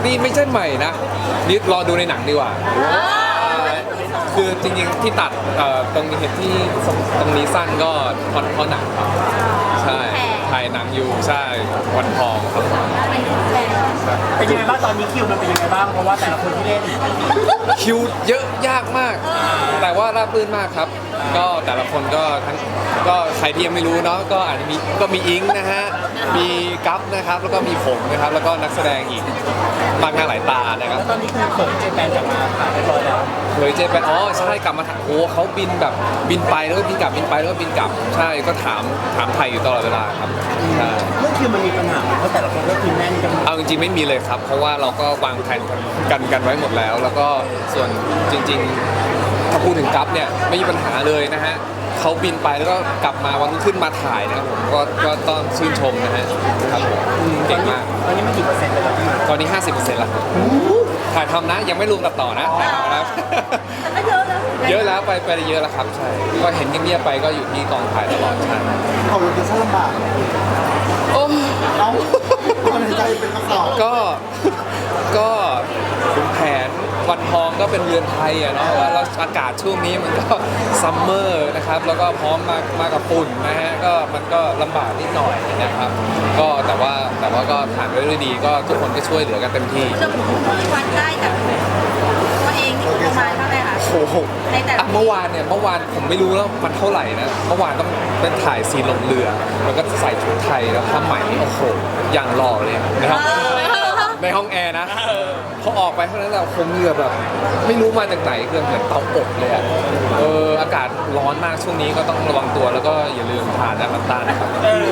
นี่ไม่ใช่ใหม่นะนี่รอดูในหนังดีกว่าคือจริงๆที่ตัดตรงนี้เห็นที่ตรงนี้สั้นก็เพราะหนังครับใช่ถ่ายหนังอยู่ใช่วันทองครับเป็นยังไงบ้างตอนนี้คิวมันเป็นยังไงบ้างเพราะว่าแต่ละคนที่เล่นคิวเยอะยากมากแต่ว่าราบรื่นมากครับก็แต่ละคนก็ทั้งก็ใครที่ยังไม่รู้เนาะก็อาจจะมีอิงนะฮะมีกัฟนะครับแล้วก็มีผมนะครับแล้วก็นักแสดงอีกมากหน้าหลายตานะครับแล้วตอนนี้คือเปิดเจแปนกลับมาถ่ายเรียบร้อยแล้วเคยเจแปนอ๋อใช่กลับมาโอ้เขาบินแบบบินไปแล้วก็บินกลับบินไปแล้วก็บินกลับใช่ก็ถามไทยอยู่ตลอดเวลาครับใช่เรื่องคิวมันมีปัญหาเพราะแต่ละคนก็คิวแน่นกันเอาจริงๆไม่มีเลยครับเพราะว่าเราก็วางแผนกันไว้หมดแล้วแล้วก็ส่วนจริงๆถ้าพูดถึงกัฟเนี่ยไม่มีปัญหาเลยนะฮะเขาบินไปแล้วก็กลับมาวันรุ่งขึ้นมาถ่ายนะครับผมก็ต้องชื่นชมนะฮะครับผมเก่งมากตอนนี้มันกี่เปอร์เซ็นต์ไปแล้วพี่ตอนนี้ 50%แล้วถ่ายทำนะยังไม่รวมตัดต่อนะแต่ก็เยอะแล้วเยอะแล้วไปเยอะแล้วครับใช่ก็เห็นเงียบๆไปก็อยู่ที่กองถ่ายตลอดใช่เขาเป็นช่างลำบากโอ้เอาคนใจเป็นคำตอบก็ขุนแผนวันทองก็เป็นเรือนไทยอะเนาะว่าเราอากาศช่วงนี้มันก็ซัมเมอร์นะครับแล้วก็พร้อมมากับฝุ่นนะฮะก็มันก็ลำบากนิดหน่อยนะครับก็แต่ว่าก็ผ่านไปด้วยดีก็ทุกคนก็ช่วยเหลือกันเต็มที่จะมีวันได้แต่ตัวเองนี่ประมาณเท่าไหร่คะโอ้โหเมื่อวานผมไม่รู้แล้วมันเท่าไหร่นะเมื่อวานต้องเป็นถ่ายซีนลงเรือแล้วก็ใส่ชุดไทยแล้วผ้าไหมโอ้โหอย่างหล่อเลยนะครับในห้องแอร์นะพอออกไปเท่านั้นเราคงเหงื่อแบบไม่รู้มาจากไหนเกินเหมือนเตาอบเลยอ่ะอากาศร้อนมากช่วงนี้ก็ต้องระวังตัวแล้วก็อย่าลืมทานน้ำตาลนะครับ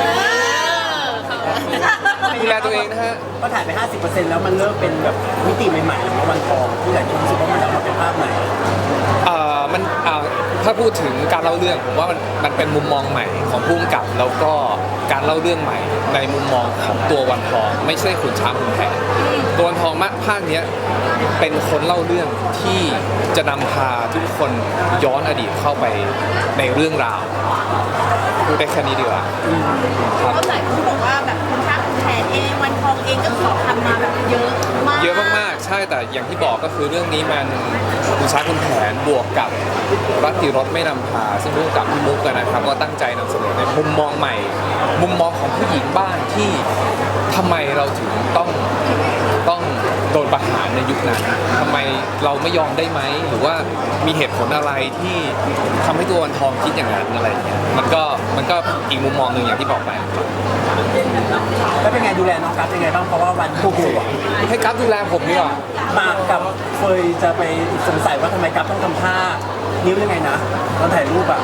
ดูแลตัวเองนะฮะก็ถ่ายไป 50%แล้วมันเริ่มเป็นแบบมิติใหม่ๆของวันทองที่หลายคนรู้สึกว่ามันออกมาเป็นภาพไหนมันถ้าพูดถึงการเล่าเรื่องผมว่ามันเป็นมุมมองใหม่ของผู้กำกับแล้วก็การเล่าเรื่องใหม่ในมุมมองของตัววันทองไม่ใช่ขุนช้างขุนแผนตัววันทองภาคนี้เป็นคนเล่าเรื่องที่จะนำพาทุกคนย้อนอดีตเข้าไปในเรื่องราวพูดได้แค่นี้ดีกว่าครับหลายคนบอกว่าแบบคุณช้างขุนแผนเองวันทองเองก็ขอทำมาแบบเยอะมากๆใช่แต่อย่างที่บอกก็คือเรื่องนี้มันขุนช้างขุนแผนบวกกับรัตติรสไม่นำพาซึ่งร่วมกับพี่มุกกันนะครับก็ตั้งใจนำเสนอในมุมมองใหม่มุมมองของผู้หญิงบ้านที่ทำไมเราถึงต้องโดนประหารในยุคนั้นทำไมเราไม่ยอมได้ไหมหรือว่ามีเหตุผลอะไรที่ทำให้ตัววันทองคิดอย่างนั้นอะไรอย่างเงี้ยมันก็อีกมุมมองหนึ่งอย่างที่บอกไปแล้วเป็นไงดูแลน้องกัฟยังไงบ้างเพราะว่าวันคู่ให้กัฟดูแลผมดีกว่ามากับเฟยจะไปสงสัยว่าทำไมกัฟต้องทำท่านิ้วยังไงนะตอนถ่ายรูปอ่ะ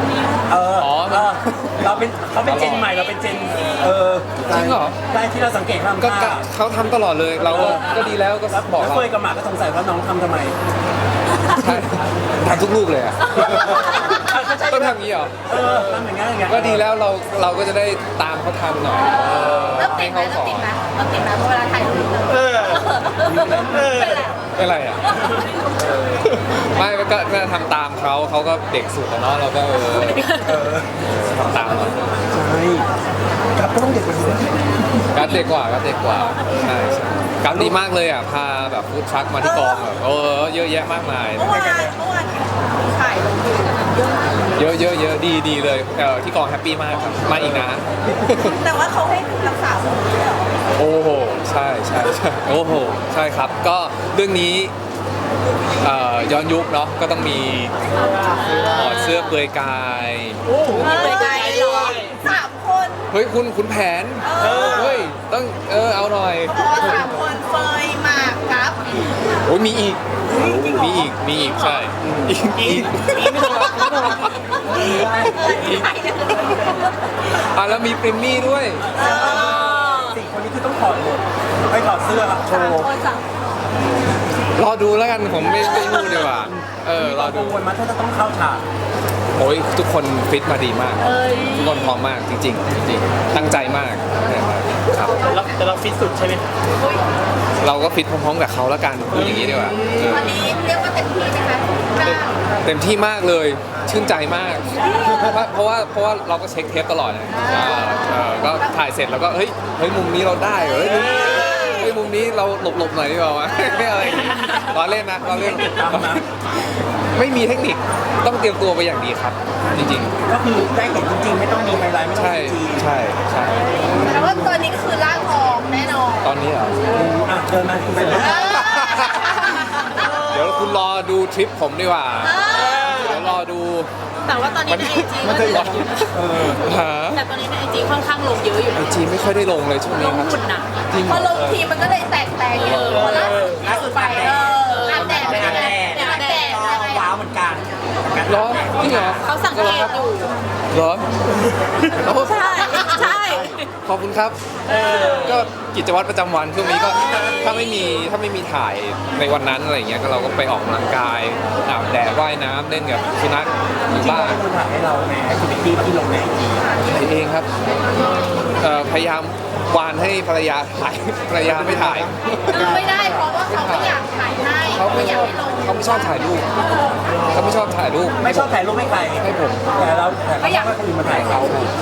เขาเป็นเจนใหม่เราเป็นเจนจริงเหรอได้ที่เราสังเกตว่าเขาทำตลอดเลยเราก็ดีแล้วก็บอกเราเฟยกับหมากก็สงสัยว่าน้องทำไมใช่ทำทุกลูกเลยอ่ะต้องทำงี้เหรอทำอย่างงี้ก็ดีแล้วเราก็จะได้ตามเขาทำหน่อยให้เขาสอนเวลาถ่ายรูปเป็นไรอ่ะไม่ก็ทำตามเขาก็เด็กสุดแล้วเนาะเราก็ทำตามใช่กัฟก็ต้องเด็กกว่ากัฟเด็กกว่าใช่กัฟดีมากเลยอ่ะพาแบบฟู้ดทรัคมาที่กองแบบเยอะแยะมากมายเมื่อวานถ่ายลงเยอะดีเลยที่กองแฮปปี้มากครับมาอีกนะแต่ว่าเขาให้รักษาผมด้วยเหรอโอ้โหใช่โอ้โหใช่ครับก็เรื่องนี้ย้อนยุคเนาะก็ต้องมีถอดเสื้อเปลือยกายเปลือยกายเลย3 คนเฮ้ยคุณแผนเฮ้ยต้องเอาหน่อย 3 คนเฟยหมากครับโอ้ยมีอีกใช่อีกแล้วมีปริมมี่ด้วย 4 คนนี้คือต้องถอดหมดไม่ถอดเสื้อโชว์รอดูแล้วกันผมไม่รู้ดีกว่ารอดูวันมาถ้าจะต้องเข้าฉากโอ้ยทุกคนฟิตมาดีมากทุกคนพร้อมมากจริงตั้งใจมากครับแต่เราฟิตสุดใช่ไหมเราก็ฟิตพร้อมๆกับเขาแล้วกันพูดอย่างนี้ดีกว่าวันนี้เรียกว่าเต็มที่ไหมคะเต็มที่มากเลยชื่นใจมากเพราะว่าเราก็เช็คเทปตลอดก็ถ่ายเสร็จแล้วก็เฮ้ยมุมนี้เราได้เหรอเฮ้ยมุมนี้เราหลบๆหน่อยดีกว่าวะอะไรล้อเล่นนะล้อเล่นตามนะไม่มีเทคนิคต้องเตรียมตัวไปอย่างดีครับ จริงก็คือได้เห็นจริงๆไม่ต้องมีไฮไลท์ไม่ๆต้องใช่ซีจีใช่ใช่แต่ว่าตอนนี้คือร่างทองแน่นอนตอนนี้เหรออ่ะเดินมาคุณเป็นเดี๋ยวคุณรอดูทริปผมดีกว่า เดี๋ยวรอดูแต่ว่าตอนนี้ในไอจีมันจะร้อนหาแต่ตอนนี้ในไอจีค่อนข้างลงเยอะอยู่ไอนะจีไม่ค่อยได้ลงเลยช่วงลนี้งครับหุ่นน่ะจริงพอลงทีมันก็เลยแตกเยอะพอล่าสุดไปอาบแดดเป็นยังไงอาบแดดอะไรว้าวเหมือนกันเหรอจริงเหรอเขาสังเกตอยู่เหรอโอ้ใช่ใช่ขอบคุณครับก็กิจวัตรประจำวันช่วงนี้ก็ถ้าไม่มีถ่ายในวันนั้นอะไรเงี้ยก็เราก็ไปออกกำลังกายอาบแดดว่ายน้ำเล่นกับสุนัขอยู่ที่บ้าเรานเป็นคนถ่ายให้เราในแอคทิวิตี้ที่ลงในไอจีถ่ายเองครับพยายามวานให้ภรรยาถ่ายภรรยาไม่ถ่ายไม่ได้เพราะว่าเขาไม่อยากถ่ายให้เขาไม่อยาชกอบให้ลงเขาไม่ชอบถ่ายรูปเขาไม่ชอบถ่ายรูปไม่ชอบถ่ายรูปให้ใครให้ผมแต่เราแต่เขาก็คือมาถ่ายเขา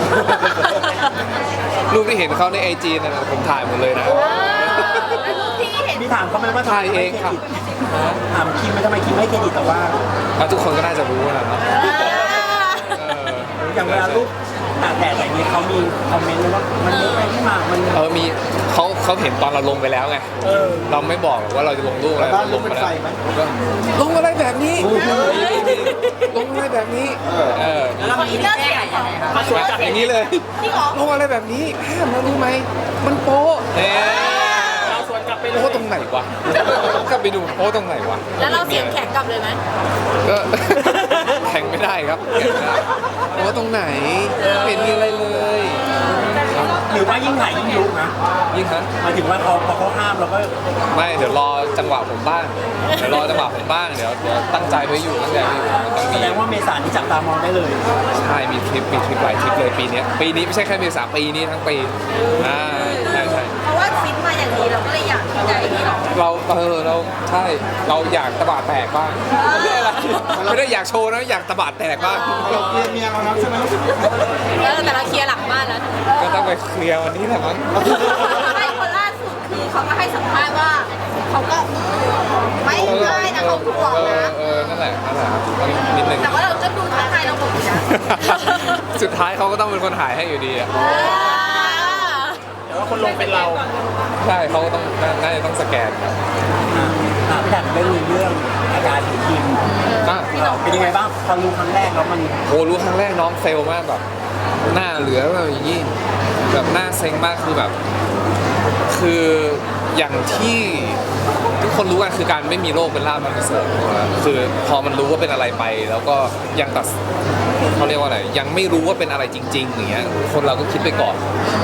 รูปที่เห็นเขาในไอจีนั่นนะผมถ่ายหมดเลยนะแล้วรูปที่เห็นพี่ถามเขาไหมว่าถ่ายเองครับถามคิมไม่ทำไมคิมไม่เครดิตแต่ว่าทุกคนก็น่าจะรู้นะเนาะเอออย่างเวลารูปตากแดดอะไรนี้เขามีคอมเมนต์เลยว่ามันเยอะไปที่มามันมีเขาเห็นตอนเราลงไปแล้วไง เราไม่บอกว่าเราจะลงรูปอะไรบ้านรูปเป็นไฟไหมก็ลงอะไรแบบนี้ ลงอะไรแบบนี้แล้วมีเรื่องเสียงของมาสวยจัดอย่างนี้เลยที่หรอลงอะไรแบบนี้ห้ามนะรู้ไหม มันโป๊ะเนี่ยเราสวนกลับไปเลยโป๊ะตรงไหนวะกลับไปดูโป๊ะตรงไหนวะแล้วเราเสียงแข็งกลับเลยไหมก็ แข่งไม่ได้ครับแข่งไม่ได้โป๊ะตรงไหนไม่เห็นมีอะไรเลยหรือว่ายิ่งถ่ายยิ่งยุนะยิ่งฮะหมายถึงว่าพอเขาห้ามเราก็ไม่เดี๋ยวรอจังหวะผมบ้างเดี๋ยวรอจังหวะผมบ้างเดี๋ยวตั้งใจไว้อยู่ตั้งใจไว้อยู่มันต้องแสมีดงว่าเมษาที่จับตามองได้เลยใช่มีทริปหลายทริปเลยปีนี้ไม่ใช่แค่เมษาปีนี้ทั้งปีใช่เพราะว่าฟิตมาอย่างนี้เราก็เลยอยากที่จะไอ้นี่หรอเราใช่เราอยากตะบะแตกบ้างไม่ได้อยากโชว์นะอยากตะบะแตกบ้างเราเมียเราแล้วใช่ไหมแต่เราเคลียร์หลังบ้านแล้วก็ต้องไปเคลียร์วันนี้แหละมั้งไม่คนล่าสุดคือเขาก็ให้สัมภาษณ์ว่าเขาก็ไม่ง่ายนะเขาห่วงนะนั่นแหละครับต้องนิดนึงแต่ว่าเราก็ดูท้าทายเราหมดนะสุดท้ายเขาก็ต้องเป็นคนถ่ายให้อยู่ดีอะแต่ว่าคนลงเป็นเราใช่เขาก็ต้องน่าจะต้องสแกนครับพี่ถามเรื่องอาการของคิม เป็นยังไงบ้างพอรู้ครั้งแรกแล้วมันโอ้รู้ครั้งแรกน้องเซลลมากแบบหน้าเหลือแบบอย่างนี้แบบหน้าเซ็งมากคือแบบ คืออย่างที่ทุกคนรู้กันคือการไม่มีโรคเป็นลาภอันประเสริฐคือพอมันรู้ว่าเป็นอะไรไป แล้วก็ยังตัดเขาเรียกว่าอะไรยังไม่รู้ว่าเป็นอะไรจริงๆอย่างเงี้ยคนเราก็คิดไปก่อน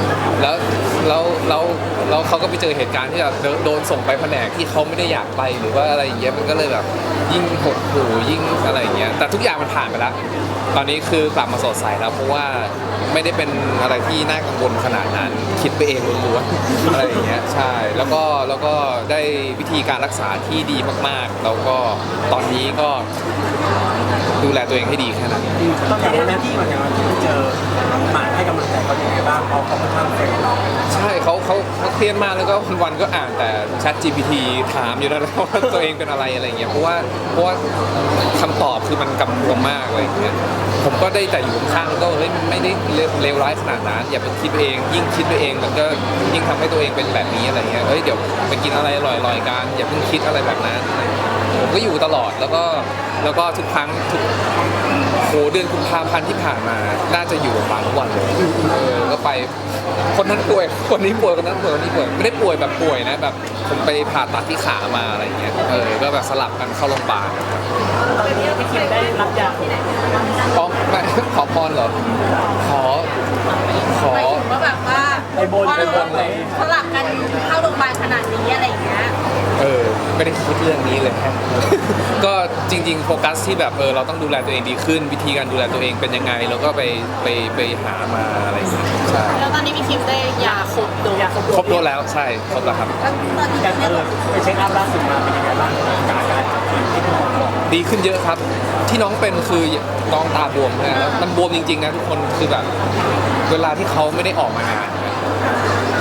แล้วเขาก็ไปเจอเหตุการณ์ที่แบบโดนส่งไปแผนกที่เขาไม่ได้อยากไปหรือว่าอะไรอย่างเงี้ยมันก็เลยแบบยิ่งหดหู่ยิ่งอะไรอย่างเงี้ยแต่ทุกอย่างมันผ่านไปแล้ว ตอนนี้คือกลับมาสดใสแล้วเพราะว่าไม่ได้เป็นอะไรที่น่ากังวลขนาดนั้น คิดไปเองล้วนๆอะไรอย่างเงี้ยใช่แล้วก็ได้วิธีการรักษาที่ดีมากๆ แล้วก็ตอนนี้ก็ดูแลตัวเองให้ดีแค่นั้นต้องอย่างนั้นที่เหมือนกันที่เจอหมาให้กำลังใจเขาอย่างไรบ้างเขาค่อนข้างเฟรนใช่เขาเครียดมากแล้วก็วันๆก็อ่านแต่ Chat GPT ถามอยู่นั่นแหละว่าตัวเองเป็นอะไรอะไรอย่างเงี้ยเพราะว่าคำตอบคือมันกำกวมมากอะไรอย่างเงี้ยผมก็ได้แต่อยู่ข้างๆก็เฮ้ยมันไม่ได้เลวร้ายขนาดนั้นอย่าไปคิดไปเองยิ่งคิดไปเองมันก็ยิ่งทำให้ตัวเองเป็นแบบนี้อะไรเงี้ยเฮ้ยเดี๋ยวไปกินอะไรอร่อยๆกันอย่าเพิ่งคิดอะไรแบบนั้นผมก็อยู่ตลอดแล้วก็ทุกครั้งเดือนกุมภาพันธ์ที่ผ่านมาน่าจะอยู่โรงพยาบาลทุกวันเลยก็ไปคนนั้นป่วยคนนี้ป่วยคนนั้นป่วยคนนี้ป่วยไม่ได้ป่วยแบบป่วยนะแบบผมไปผ่าตัดที่ขามาอะไรอย่างเงี้ยก็แบบสลับกันเข้าโรงพยาบาลตอนนี้พี่คิมได้รับยาไม่ขอพรเหรอขอหมายถึงว่าแบบว่าไปบนพอไปบเรานอะไรสลับกันเข้าโรงพยาบาลขนาดนี้อะไรอย่างเงี้ยไม่ได้คิดเรื่องนี้เลย ก็จริงๆโฟกัสที่แบบเราต้องดูแลตัวเองดีขึ้น วิธีการดูแลตัวเองเป็นยังไงแล้วก็ไปหามาอะไรอย่างเงี้ยใช่แล้วตอนนี้พี่คิมได้ยาครบโดสครบโดสแล้วใช่ครบแล้วครับตอนนี้อย่างเนี่ยไปเช็คอัพล่าสุดมาเป็นยังไงบ้างอาการของคิมที่คุณหมอบอกดีขึ้นเยอะครับ ที่น้องเป็นคือน้องตาบวมนะมันบวมจริงๆนะทุกคนคือแบบเวลาที่เขาไม่ได้ออกมานานนะค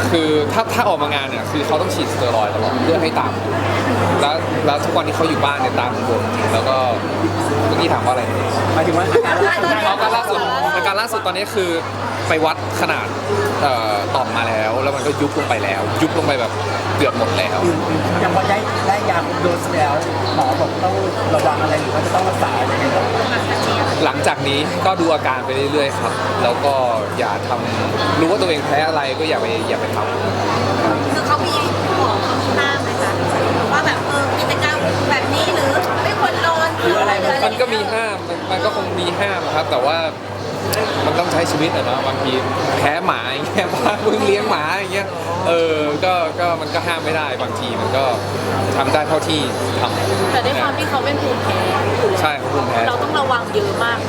คือถ้าออกมางานเนี่ยคือเขาต้องฉีดสเตียรอยด์ตลอดเพื่อให้ตามแล้วทุกวันที่เขาอยู่บ้านเนี่ยตามบนแล้วก็เมื่อกี้ถามว่าอะไรหมายถึงว่าอาการล่าสุดอาการล่าสุดตอนนี้คือไปวัดขนาดต่อมมาแล้วมันก็ยุบลงไปแล้ว ยุบลงไปแบบเกือบหมดแล้วอย่างพอได้ยาคุมโดสแล้วหมอบอกต้องระวังอะไรหรือว่าจะต้องรักษาอะไรยังไงบ้างหลังจากนี้ก็ดูอาการไปเรื่อยๆครับแล้วก็อย่าทำรู้ว่าตัวเองแพ้อะไรก็อย่าไปทำคือเขามีบอกเขามีห้ามไหมคะว่าแบบกิจกรรมแบบนี้หรือไม่ควรนอนหรืออะไรมันก็มีห้ามมันก็คงมีห้ามครับ แต่ว่ามันต้องใช้ชีวิตอะเนาะบางทีแพ้หมาอย่างเงี้ยบ้านมึงเลี้ยงหมาอย่างเงี้ยก็มันก็ห้ามไม่ได้บางทีมันก็ทำได้เท่าที่ทำแต่ด้วยความที่เขาเป็นภูมิแพ้ใช่ครับภูมิแพ้เราต้องระวังเยอะมาก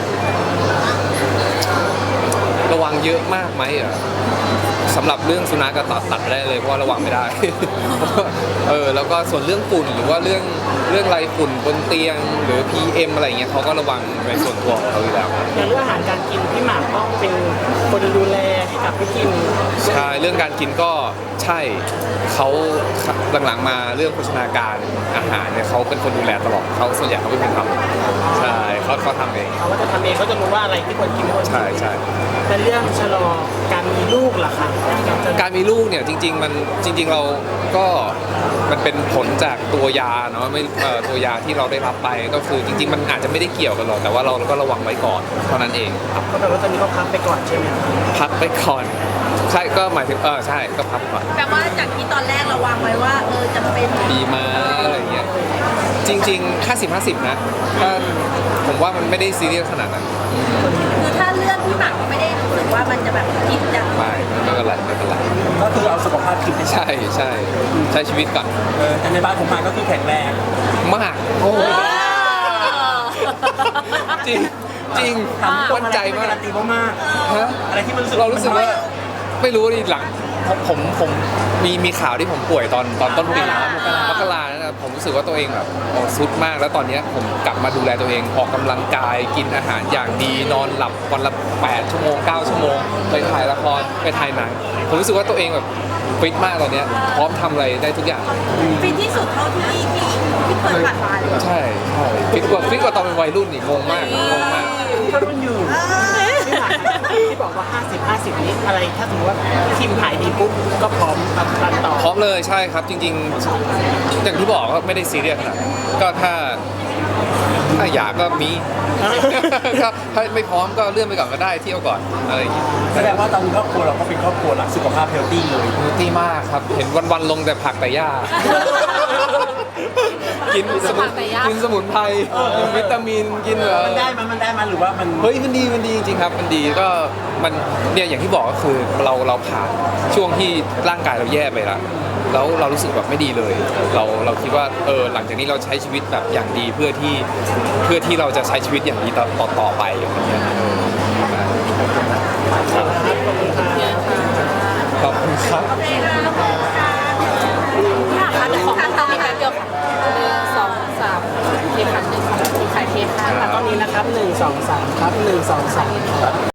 ระวังเยอะมากไหมอ่ะสำหรับเรื่องสุนัขก็ตัดไปได้เลยเพราะว่าระวังไม่ได้ แล้วก็ส่วนเรื่องฝุ่นหรือว่าเรื่องไรฝุ่นบนเตียงหรือ PM อะไรเงี้ยเขาก็ระวังในส่วนตัวของเขาอยู่แล้วอย่างเรื่องอาหารการกินพี่หมากต้องเป็นคนดูแลให้กับพี่กินใช่เรื่องการกินก็ใช่เขาหลังๆมาเรื่องโภชนาการอาหารเนี่ยเขาเป็นคนดูแลตลอดเขาส่วนใหญ่เขาเป็นคนทำใช่เขาทำเองเขาก็จะทำเองเขาจะรู้ว่าอะไรที่ควรกินไม่ควรกินใช่ใช่แต่เรื่องชะลอการมีลูกล่ะคะการมีลูกเนี่ยจริงๆเราก็มันเป็นผลจากตัวยาเนาะไม่ตัวยาที่เราได้รับไปก็คือจริงๆมันอาจจะไม่ได้เกี่ยวกันหรอกแต่ว่าเราก็ระวังไว้ก่อนเท่านั้นเองครับก็แปลว่าตอนนี้เขาพักไปก่อนใช่ไหมพักไปก่อนใช่ก็หมายถึงใช่ก็พักก่อนแปลว่าจากที่ตอนแรกเราวางไว้ว่าจะเป็นปีมาอะไรอย่างเงี้ยจริงๆ50-50นะถ้าผมว่ามันไม่ได้ซีเรียสขนาดนั้นคือถ้าเลือกพี่หมากก็ไม่ได้รู้สึกว่ามันจะแบบผิดจังไม่เป็นไรไม่เป็นไรก็คือเอาสุขภาพคิดไปใช่ใช้ชีวิตก่อนแต่ในบ้านผมมาก็คือแข็งแรงมากโอ้จริงมั่นใจมากการันตีมากฮะอะไรที่มันรู้สึกเรารู้สึกว่าไม่รู้ดิหลังผมมีข่าวที่ผมป่วยตอนต้นปีมกรานะผมรู้สึกว่าตัวเองแบบสุดมากแล้วตอนนี้ผมกลับมาดูแลตัวเองออกกำลังกายกินอาหารอย่างดีนอนหลับวันละ8 ชั่วโมง 9 ชั่วโมงไปถ่ายละครไปถ่ายหนังผมรู้สึกว่าตัวเองแบบฟิตมากตอนนี้พร้อมทำอะไรได้ทุกอย่างฟิตที่สุดเท่าที่เคยผ่านมาเลยใช่ฟิตกว่าตอนเป็นวัยรุ่นอีกงงมากถ้ารุ่นอยู่พี่หมากที่บอกว่า 50-50 นี้อะไรถ้าสมมติว่าทีมถ่ายดีปุ๊บก็พร้อมตัดต่อพร้อมเลยใช่ครับจริงๆอย่างที่บอกก็ไม่ได้ซีเรียสขนาดนั้นก็ถ้าอยากก็มี ก็ถ้าไม่พร้อมก็เลื่อนไปก่อนก็ได้เที่ยวก่อนอะไรอย่างเงี้ยแสดงว่าตอนนี้ครอบครัวเราก็เป็นครอบครัวรักสุขภาพเฮลตี้เลยดีมากครับเห็นวันๆลงแต่ผักแต่หญ้า กินสมุนไพรวิตามินกินแบบมันได้มันหรือว่ามันเฮ้ยมันดีจริงๆครับมันดีก็มันเนี่ยอย่างที่บอกก็คือเราผ่านช่วงที่ร่างกายเราแย่ไปแล้วเรารู้สึกแบบไม่ดีเลย เราคิดว่าหลังจากนี้เราใช้ชีวิตแบบอย่างดีเพื่อที่เราจะใช้ชีวิตอย่างดีต่อไปอย่างเงี้ยขอบคุณครับพี่หมากคะเดี๋ยวขอตรงนี้แป๊บเดียวค่ะ1 2 3เคค่ะ1 2 3ขายเคค่ะตอนนี้นะครับ1 2 3ครับ1 2 3